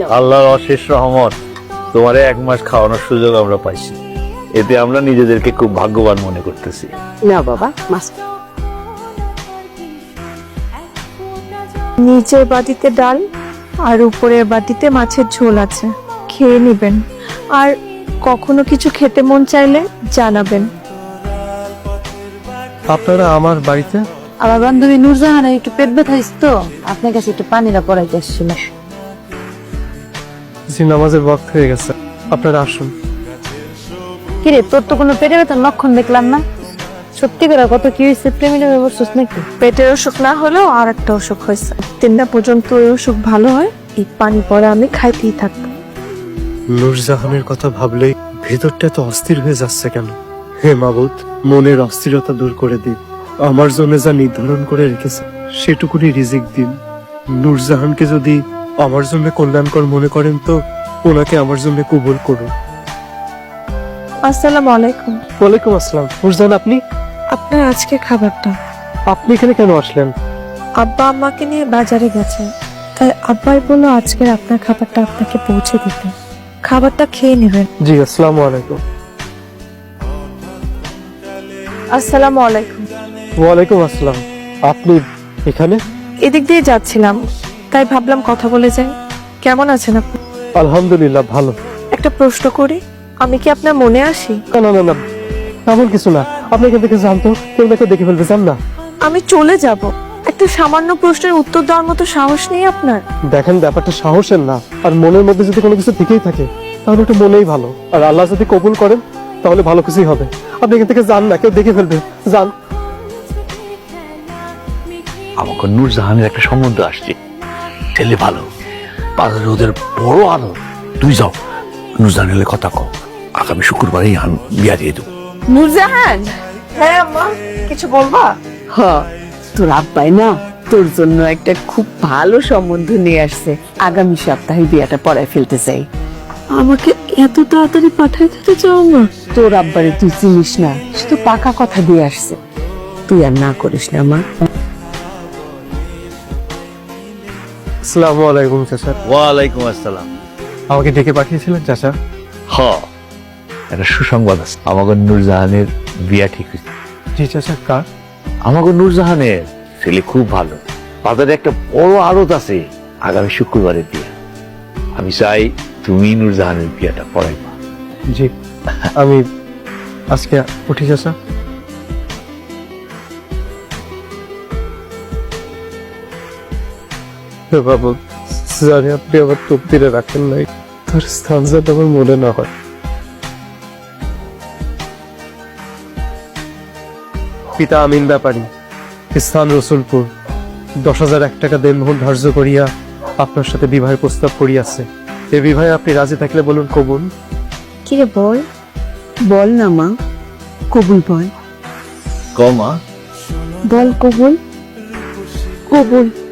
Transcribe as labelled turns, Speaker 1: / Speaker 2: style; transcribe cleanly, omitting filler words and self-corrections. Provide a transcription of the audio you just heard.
Speaker 1: আল্লাহর অশেষ রহমত, তোমারে 1 মাস খাওয়ানোর সুযোগ আমরা পাইছি। এতে আমরা নিজেদেরকে খুব ভাগ্যবান মনে করতেছি।
Speaker 2: না বাবা, মাছ
Speaker 3: নিচের বাটিতে ডাল আর উপরের বাটিতে মাছের ঝোল আছে, খেয়ে নেবেন। আর কখনো কিছু খেতে মন চাইলে জানাবেন।
Speaker 4: আপনারা আমার বাড়িতে?
Speaker 2: আমার বান্ধবী নূরজাহানের একটু পেট ব্যথা হয়েছে তো, আপনার কাছে একটু পানিটা পড়াইতে আসছিল।
Speaker 4: জি, নামাজের ওয়াক্ত হয়ে গেছে, আপনারা আসুন।
Speaker 2: কিরে, তোর তো কোনো পেটে ব্যথার লক্ষণ দেখলাম না। সত্যি করে কত কি হয়েছে, প্রেমিকা বলছিস নাকি?
Speaker 3: পেটের অসুখ না হলেও আর একটা অসুখ হয়েছে। 3টা পর্যন্ত ওই অসুখ ভালো হয়, এই পানি পরে আমি খাইতেই থাকবো।
Speaker 4: নূরজাহানের কথা ভাবলেই ভেতরটা তো অস্থির হয়ে যাচ্ছে কেন? হে মাবুদ, মনের অস্থিরতা দূর করে দিন। আমার জন্য যা নির্ধারণ করে রেখেছে সেটুকুনি রিজিক দিন। নূরজাহানকে যদি আমার জন্য কল্যাণকর মনে করেন তো ওনাকে আমার জন্য কবুল করুন।
Speaker 3: আসসালামু আলাইকুম।
Speaker 4: ওয়ালাইকুম আসসালাম। নূরজাহান, আপনি
Speaker 3: আপনার আজকে খাবারটা।
Speaker 4: আপনি এখানে কেন আসলেন?
Speaker 3: আব্বা আম্মাকে নিয়ে বাজারে গেছে, তাই আব্বাই বললো আজকে আপনার খাবারটা আপনাকে পৌঁছে দিতে। খাবারটা খেয়ে নেবেন।
Speaker 4: জি, আসসালামু আলাইকুম।
Speaker 3: আসসালামু আলাইকুম।
Speaker 4: ওয়ালাইকুম আসসালাম। আপনি এখানে?
Speaker 3: এদিক দিয়ে যাচ্ছিলাম, তাই ভাবলাম কথা বলে যাই। কেমন আছেন আপনি?
Speaker 4: আলহামদুলিল্লাহ, ভালো।
Speaker 3: একটা প্রশ্ন করি, আমি কি আপনার মনে আসি?
Speaker 4: না না না না, এমন কিছু না। আপনি এখান থেকে জানতো কেউ না কেউ দেখে ফেলবে, জান না।
Speaker 3: আমি চলে যাব, একটা সামান্য প্রশ্নের উত্তর দেওয়ার মতো সাহস নেই আপনার?
Speaker 4: দেখেন, ব্যাপারটা সাহসের না, আর মনের মধ্যে যদি কোনো কিছু থেকেই থাকে তাহলে ওটা মনেই ভালো। আর আল্লাহ যদি কবুল করেন তাহলে ভালো কিছুই হবে। আপনি এখান থেকে যান না, কেউ দেখে ফেলবে, যান।
Speaker 1: আমাকে নূরজাহানের একটা সম্বন্ধ আসছে, ছেলে ভালো, বাজারে ওদের বড় আলো। তুই যাও, নূরজাহানের কথা কও, আগামী শুক্রবারই বিয়া দিয়ে দেবো।
Speaker 2: নূরজাহান,
Speaker 3: হ্যাঁ আম্মা, কিছু বলবা?
Speaker 2: হ, তোর আব্বাই না তোর জন্য একটা খুব ভালো সম্বন্ধ নিয়ে আসছে। আগামী সপ্তাহে বিয়াটা পড়ায় ফেলতে চাই।
Speaker 3: আমাকে এত তাড়াতাড়ি পাঠাই দিতে চাও না?
Speaker 2: তোর আব্বারে তুই চিনিস না, সে তো পাকা কথা দিয়ে আসছে। তুই আর না করিস না মা।
Speaker 4: আসসালামু আলাইকুম চাচা।
Speaker 1: ওয়ালাইকুম আসসালাম।
Speaker 4: আমাকে ডেকে পাঠিয়েছিলেন চাচা?
Speaker 1: হ, একটা সুসংবাদ আছে, আমাকে নূরজাহানের বিয়া ঠিক হয়েছে।
Speaker 4: জি চাচা, কার?
Speaker 1: আমাকে নূরজাহানের ছেলে খুব ভালো, বাজারে একটা বড় আড়ত আছে, আগামী শুক্রবারের বিয়া। আমি চাই তুমি নূরজাহানের বিয়াটা পড়াইবা।
Speaker 4: জি, আমি আজকে উঠি চাচা। হে বাবু, জানি আপনি আমার তকদিরে রাখেন নাই, তার স্থান যাতে আমার মনে না হয়। পিতা আমিন ব্যাপারী, স্থান রসুলপুর, 10,001 টাকা দেনমোহর ধার্য করিয়া আপনার সাথে বিবাহের প্রস্তাব করিয়াছে। এ বিবাহে আপনি রাজি থাকলে বলুন কবুল।
Speaker 2: কিরে বল, বল না মা, কবুল বল,
Speaker 1: কমা
Speaker 2: বল কবুল।
Speaker 3: কবুল।